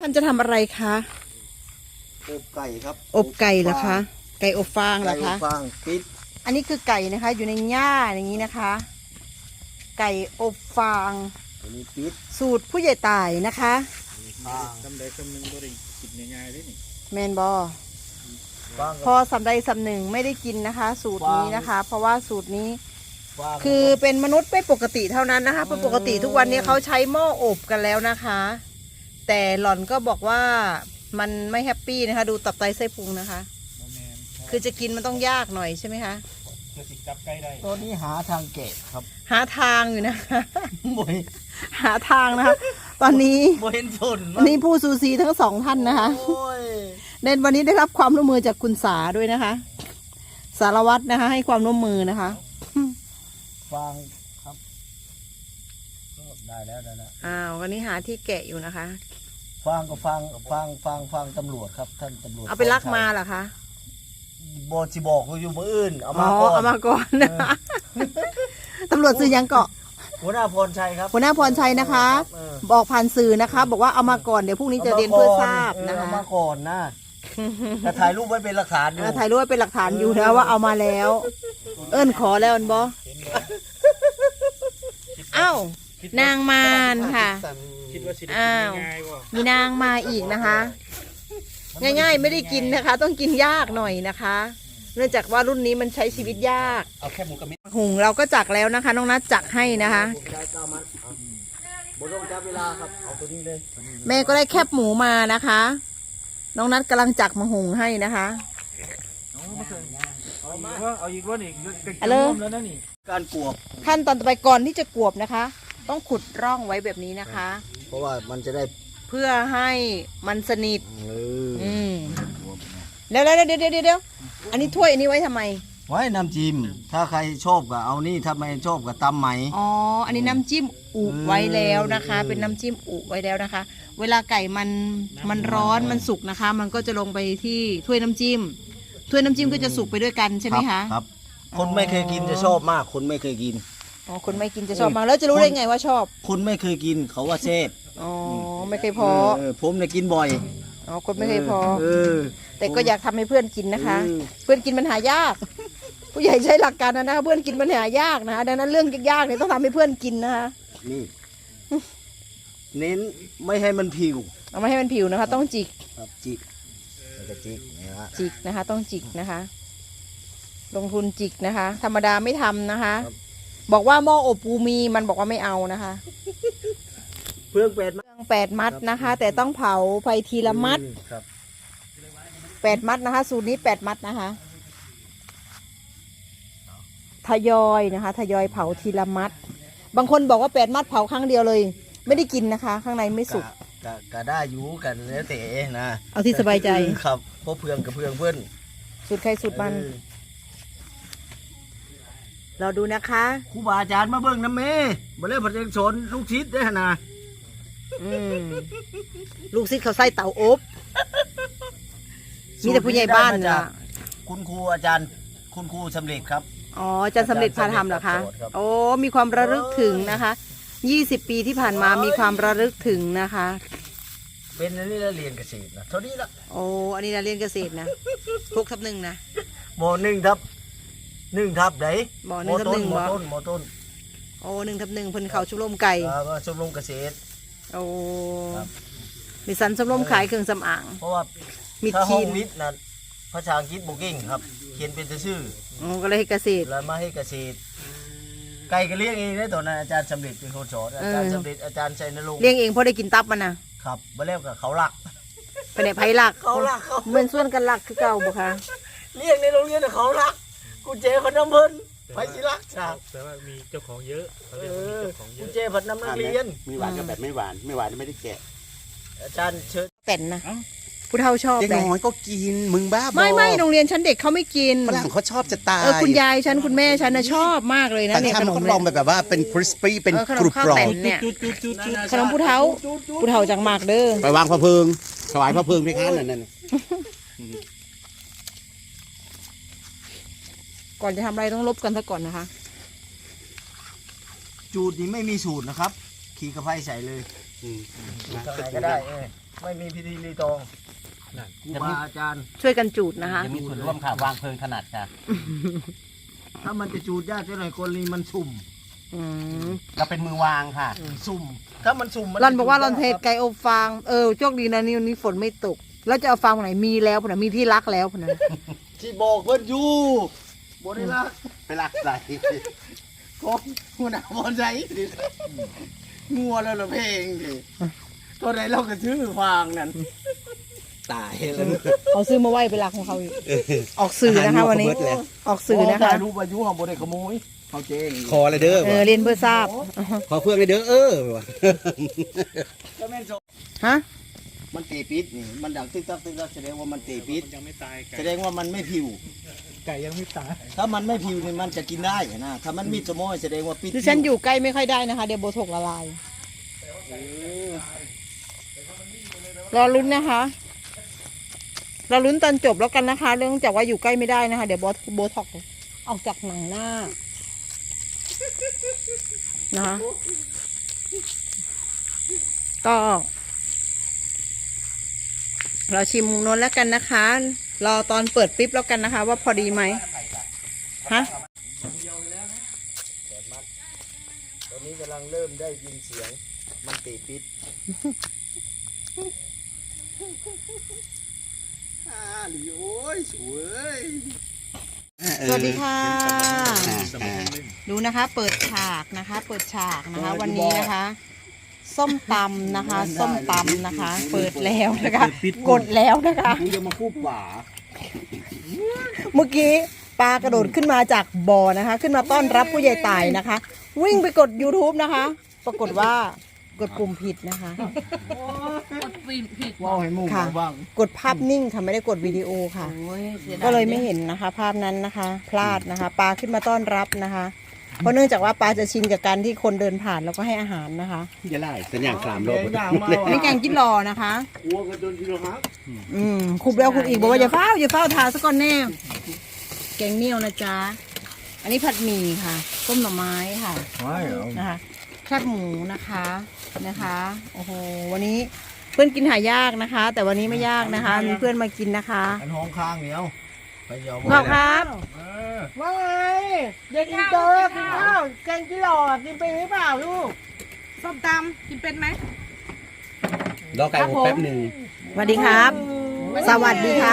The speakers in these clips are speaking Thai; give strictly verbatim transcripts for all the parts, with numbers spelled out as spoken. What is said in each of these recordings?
านจะทำอะไรคะอบไก่ครับอบไก่เหรอคะไก่อบฟางเหรอคะไก่อบฟางปิดอันนี้คือไก่นะคะอยู่ในหญ้าอย่างนี้นะคะ ไก่อบฟางอันนี้ปิดสูตรผู้ใหญ่ตายนะคะทำได้คำหนึ่งก็ได้กินง่ายๆเลยนี่แมนบอพอสำใดสำหนึ่งไม่ได้กินนะคะ สูตรนี้นะคะ เพราะว่าสูตรนี้คือเป็นมนุษย์ไม่ปกติเท่านั้นนะคะเพราะปกติทุกวันนี้เขาใช้หม้ออบกันแล้วนะคะ แต่หล่อนก็บอกว่ามันไม่แฮปปี้นะคะดูตับไตไส้พุงนะคะคือจะกินมันต้องยากหน่อยใช่ไหมคะเพื่อติดจับใกล้ได้ตัวนี้หาทางแกะครับหาทางอยู่นะคะโมยหาทางนะคะตอนนี้โมเห็นสนวันนี้ผู้ซูซีทั้งสองท่านนะคะเด่นวันนี้ได้รับความร่วมมือจากคุณสาด้วยนะคะ สารวัตรนะคะ ให้ความร่วมมือนะคะฟังครับได้แล้วได้แล้วอ้าววันนี้หาที่แกะอยู่นะคะฟังก็ฟังฟังฟังฟังตำรวจครับท่านตำรวจเอาไปลักมาเหรอคะบอจิบอกอยู่มืออื่นเอามาก่อนเอามาก่อนนะคะตำรวจซื้อยังเกาะหัวหน้าพรชัยครับหัวหน้าพรชัยนะคะบอกผ่านสื่อนะคะบอกว่าเอามาก่อนเดี๋ยวพรุ่งนี้จะเรียนเพื่อทราบนะคะเอามาก่อนนะแต่ถ่ายรูปไว้เป็นหลักฐานอยู่ถ่ายรูปไว้เป็นหลักฐานอยู่นะว่าเอามาแล้ว เอิ้นขอแล้วอันบอเอ้านางมารค่ะอ้าวมีนางมาอีกนะคะง่ายๆไม่ได้กินนะคะต้องกินยากหน่อยนะคะเนื่องจากว่ารุ่นนี้มันใช้ชีวิตยากเอาแค่หมูกระมิดหุงเราก็จักแล้วนะคะน้องนัทจักให้นะคะบนต้องจับเวลาครับเอาตัวนี้เลยแม่ก็ได้แคบหมูมานะคะน้องนัทกำลังจักมาหุงให้นะคะเอามาเอาอีกวันอีกอะไรแล้วนะนี่การกวบขั้นตอนต่อไปก่อนที่จะกวบนะคะต้องขุดร่องไว้แบบนี้นะคะเพราะว่ามันจะได้เพื่อให้มันสนิทอืมแล้วแล้วเดี๋ยวเดี๋ยวเดี๋ยวอันนี้ถ้วยอันนี้ไว้ทำไมไว้น้ำจิ้มถ้าใครชอบก็เอานี่ถ้าไม่ชอบก็ตำไหมอ๋ออันนี้น้ำจิ้มอุไว้แล้วนะคะ เป็นน้ำจิ้มอุไว้แล้วนะคะ เวลาไก่มันมันร้อนมันสุกนะคะ มันก็จะลงไปที่ถ้วยน้ำจิ้มถ้วยน้ำจิ้มก็จะสุกไปด้วยกันใช่ไหมคะครับคนไม่เคยกินจะชอบมากคนไม่เคยกินอ๋อคนไม่กินจะชอบมากแล้วจะรู้ได้ไงว่าชอบคนไม่เคยกินเขาว่าเซฟอ๋อไม่เคยพอผมเนี่ยกินบ่อยอ๋อคนไม่เคยพอแต่ก็อยากทำให้เพื่อนกินนะคะ เพื่อนกินมันหายากผู้ใหญ่ใช้หลักการนะนะคะเพื่อนกินมันหายากนะคะดังนั้นเรื่องยากๆเนี่ยต้องทำให้เพื่อนกินนะคะนี่เน้นไม่ให้มันผิวเอาไม่ให้มันผิวนะคะต้องจิกครับจิกจะจิกนะฮะจิกนะคะต้องจิกนะคะ ลงทุนจิกนะคะ ธรรมดาไม่ทำนะคะบอกว่าหม้ออบปูมีมันบอกว่าไม่เอานะคะเพื่องแปดเพื่องแปดมัดนะคะ แต่ต้องเผาไฟทีละมัดแปดมัดนะคะสูตรนี้แปดมัดนะคะทยอยนะคะทยอยเผาทีละมัดบางคนบอกว่าแปดมัดเผาครั้งเดียวเลยไม่ได้กินนะคะ ข้างในไม่สุกก็ได้อยู่กันแล้วแต่นะเอาที่สบายใจครับเพราะเพื่องกับเพื่องเพื่อนสูตรใครสูตรมันเราดูนะคะครูบาอาจารย์มาเบิ่งน้ำเมย์มาเล่นผัดเองสนลูกชิดได้ขนาดลูกชิดเขาใส่เต่าอบมีแต่ผู้ใหญ่บ้านนะคุณครูอาจารย์คุณครูสำเร็จครับอ๋ออาจารย์สำเร็จพาทำเหรอคะโอ้มีความระลึกถึงนะคะยี่สิบปีที่ผ่านมามีความระลึกถึงนะคะเป็นอันนี้เราเรียนเกษตรนะเท่านี้ละโอ้อันนี้เราเรียนเกษตรนะหกทับหนึ่งนะโมหนึ่งทับหนึ่งทับไหนบ่อหนึ่งทับหนึ่งบ่ต้นโมต้นโอ้หนึ่งทับหนึ่งเพิ่นเขาชมรมไก่ชมรมเกษตรโอ้มีสันชมรมขายเครื่องสำอางเพราะว่ามิดชีนวิทย์นะภาษาอังกฤษบุกิ้งครับเขียนเป็นชื่อโอ้ก็เลยให้เกษตรแล้วมาให้เกษตรไก่ก็เลี้ยงเองได้ตอนนั้นอาจารย์สำเร็จเป็นคนสอนอาจารย์สำเร็จอาจารย์ชัยนรงค์เลี้ยงเองเพราะได้กินตับมันนะครับมาเล่นกับเขาหลักไปไหนไผ่หลักเขาหลักเขาเหมือนส่วนกันหลักคือเก่าบ่คะเลี้ยงในโรงเรียนเขาหลักกูเจพันน้ำเพิ่นไปสิลักจ้าแต่ว่ามีเจ้าของเยอะกูเจพันน้ำนักเรียนมีหวานกับแบบไม่หวานไม่หวานไม่ได้แกะอาจารย์เชิญแต่นนะผู้เฒ่าชอบเด็กน้อยก็กินมึงบ้าบอไม่ไม่โรงเรียนฉันเด็กเขาไม่กินฝรั่งเขาชอบจะตายเออคุณยายฉันคุณแม่ฉันนะชอบมากเลยนะเนี่ยขนมลองแบบว่าเป็นคริสปี้เป็นกรุบกรอบเนี่ยขนมผู้เฒ่าผู้เฒ่าจังมากเด้อไปวางพระเพลิงถวายพระเพลิงพี่ข้านั่นนั่นก่อนจะทำอะไรต้องลบกันซะก่อนนะคะจูดนี้ไม่มีสูตรนะครับขี่กระไฟใส่เลยอะไรก็ได้ไม่มีพิธีรีตองครูบาอาจารย์ช่วยกันจูดนะคะจะมีส่วนร่วมค่ะวางเพลิงถนัดค่ะถ้ามันจะจูดยากเท่าไหร่คนนี้มันสุ่มอืมเราเป็นมือวางค่ะสุ่มถ้ามันสุ่มมัรอนบอกว่าจะรอนเทศไก่อบฟางเออโชคดีนะนี่วันนี้ฝนไม่ตก แล้วจะเอาฟางไหนมีแล้วพุ่นนะมีที่รักแล้วพุ่นนะที่บอกเพิ่นอยู่บ่ได้รักไปรักใส่ของหัวหน้าบอลใจดิงัวแล้วละเพลงดิตัวไหนเราก็ซื้อฟางนั่นตายแล้วเขาซื้อมาไว้เป็นรักของเขาอีกออกสื่อนะคะวันนี้ออกสื่อนะคะรู้อายุของบ่ได้ขโมยเขาเจ๊งคอเลยเด้อเออเรียนเพื่อทราบขอเพื่อนเลยเด้อเออว่ะก็แม่นโซฮะมันตีปิดนี่มันดังตึกตักตึกตักแสดงว่ามันตีปิดมันยังไม่ตายไก่แสดงว่ามันไม่ผิวไก่ยังไม่ตายถ้ามันไม่ผิวนี่มันจะกินได้นะถ้ามันมีสมอยแสดงว่าปิดดิฉันอยู่ใกล้ไม่ค่อยได้นะคะ เดี๋ยวโบถกละลายรอลุ้นนะคะรอลุ้นตอนจบแล้วกันนะคะ เรื่องจากว่าอยู่ใกล้ไม่ได้นะคะ เดี๋ยวโบโบถกออกจากหนังหน้านะคะก็เราชิมมุมโน้นแล้วกันนะคะ รอตอนเปิดปิ๊บแล้วกันนะคะ ว่าพอดีไหมฮะตอนนี้กำลังเริ่มได้ยินเสียงมันตีปิดอ่าหลีโอ้ยสวยสวัสดีค่ะ ดูนะคะ เปิดฉากนะคะ เปิดฉากนะคะ วันนี้นะคะ ส้มตำนะคะ ส้มตำนะคะ เปิดแล้วนะคะ กดแล้วนะคะกูจะมาคู่ป่าเมื่อกี้ปลากระโดดขึ้นมาจากบ่อนะคะ ขึ้นมาต้อนรับผู้ใหญ่ตายนะคะ วิ่งไปกด YouTube นะคะ ปรากฏว่ากดปุ่มผิดนะคะว่าให้หมู่ค่ะบ้างกดภาพนิ่งค่ะไม่ได้กดวิดีโอค่ะ ก็เลยไม่เห็นนะคะ ภาพนั้นนะคะ พลาดนะคะปลาขึ้นมาต้อนรับนะคะ เพราะเนื่องจากว่าปลาจะชินกับการที่คนเดินผ่านแล้วก็ให้อาหารนะคะจะไล่สัญญาณสามรเดี๋อยวบอย่างมาอันนี้แกงจิ้นรอนะคะวัวกันจนกิโลครับอืมคุบแล้วคุบอีกบอกว่าอย่าเฝ้าอย่าเฝ้าทาซะก่อนแน่แกงเหนียวนะจ๊ะอันนี้ผัดหมี่ค่ะต้มหน่อไม้ค่ะไม่เหรอนะคะแคบหมูนะคะนะคะโอ้โหวันนี้เพื่อนกินหายากนะคะ แต่วันนี้ไม่ยากนะคะ มีเพื่อนมากินนะคะอันห้องข้างเดียวไปยอมขอบครับเออว่าไงเด็กกินเจอกินข้าวแกงจิ้นรอกินไปหรือเปล่าลูกส้มตำกินเป็นไหมรอไก่อบแป๊บหนึ่งสวัสดีครับ สวัสดีครับ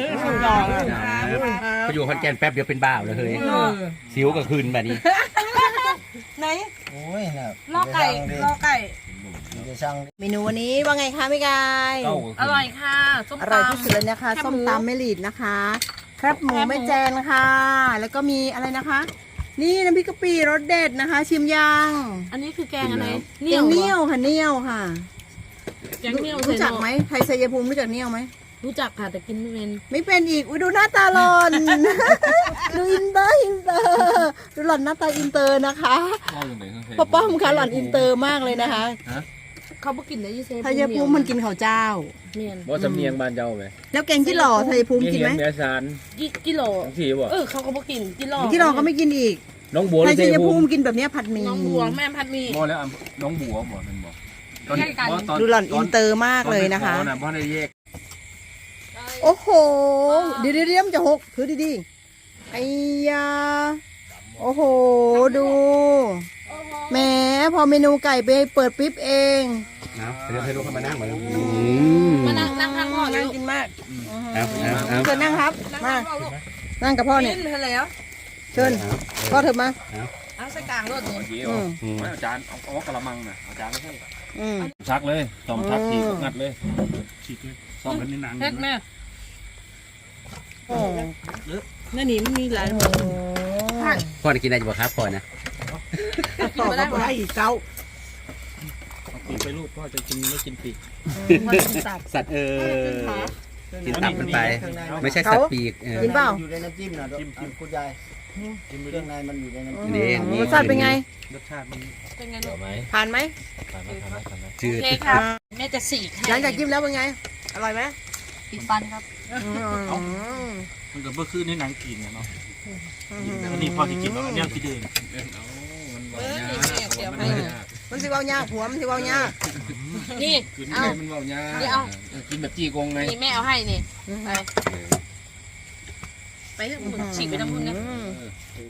ไปอยู่คอนแกนแป๊บเดียวเป็นบ้าเลยเฮ้ยสิวก็คืนแบบนี้ไหนโอ้ยน่ะลอกไก่ลอกไก่เดี๋ยวช่างดิเมนูวันนี้ว่าไงคะพี่กายอร่อยค่ะ ส้มอตำร่อยที่สุดเลยนะคะแคบหมูส้มตำแม่หลีดนะคะครับหมูแม่แจนค่ะ แล้วก็มีอะไรนะคะ นี่น้ำพริกกะปิรสเด็ดนะคะ ชิมยังอันนี้คือแกงอะไรแกงเนี่ยวค่ะเนี่ยวค่ะแกงเนี่ยวรู้จักไหมไทยชัยภูมิรู้จักเนี่ยวไหมรู้จักค่ะแต่กินไม่เป็นไม่เป็นอีกอุ้ยดูหน้าตาหลอน ดูอินเตอร์อินเตอร์ดูหล่อนหน้าตาอินเตอร์นะคะป้าป้อมค่ะหล่อนอินเตอร์มากเลยนะคะเขาบ่กินได้ยี่เซไทยภูมิมันกินข้าวเจ้าเมียนบ่สำเนียงบ้านเจ้าไหมแล้วแกงที่หล่อไทยภูมิกินไหมเมียสารยี่กิโลสีบ่เออเขาก็บ่กินกินหลอกที่หล่อก็ไม่กินอีกน้องบัวไทยชัยภูภูมิกินแบบเนี้ยผัดหมี่น้องบัวแม่พัดหมีบ่แล้วน้องบัวบ่มันบ่ใกล้กันดูหล่อนอินเตอร์มากเลยนะคะตอบ่ได้แยกโอ้โห เดี๋ยวเดี๋ยวเดี๋ยวมันจะหกถือดีๆไอ้ยา โอ้โห ดูแหมพอเมนูไก่ไปเปิดปิ๊บเองนะเดี๋ยวให้ลูกเข้ามานั่งมามานั่งนั่งข้างพ่อเลนั่ยงกินมากเอาเอาเอาเชิญนั่งครับนั่งมาข้างพ่อลูกนั่งกับพ่อเนี่ยกินไปแล้วเชิญพ่อเถอะมาเอาใส่กลางรถนี่เกี่ยวอาจารย์เอาเอากระมังน่ะอาจารย์ไม่ใช่อืมชักเลยตอมชักทีงัดเลยซ่อมกันในหนังเฮ็ดแม่โอ้นั่นนี่มันมีหลายหมดพ่อจะกินอะไรอยู่บ่ครับพ่อนะกินไม่ได้หมดไอ้เก้าปีไปลูกพ่อจะกินไม่กินปีกมันเป็นสัตว์สัตว์เออกินตับมันไป ไม่ใช่สัตว์ปีกเออกินเปล่าอยู่ในน้ำจิ้มนะจิ้มจิ้มคุณยายจิ้มเครื่องในมันอยู่ในน้ำจิ้มนี่นี่รสชาติเป็นไงรสชาติมันเป็นไงลูกผ่านไหมจืโอดเคค่ะแม่จะสีกหลังจากจิ้มแล้วเป็นไง อร่อยไหมติดฟันครับอืมมันก็เมื่อคืนในหนังกินเนาะอันนี้พ่อจะกินแล้วเนี่ยกินเองเออเดี๋ยวให้รมันสิเว้ายากผัวมันสิเว้ายากนี่กินเอามันเบาหญ้านี่เอากินแบบจีกงไงนี่แม่เอาให้นี่ไปไปเถอะฉีกไปน้ำพุ่นนะอืม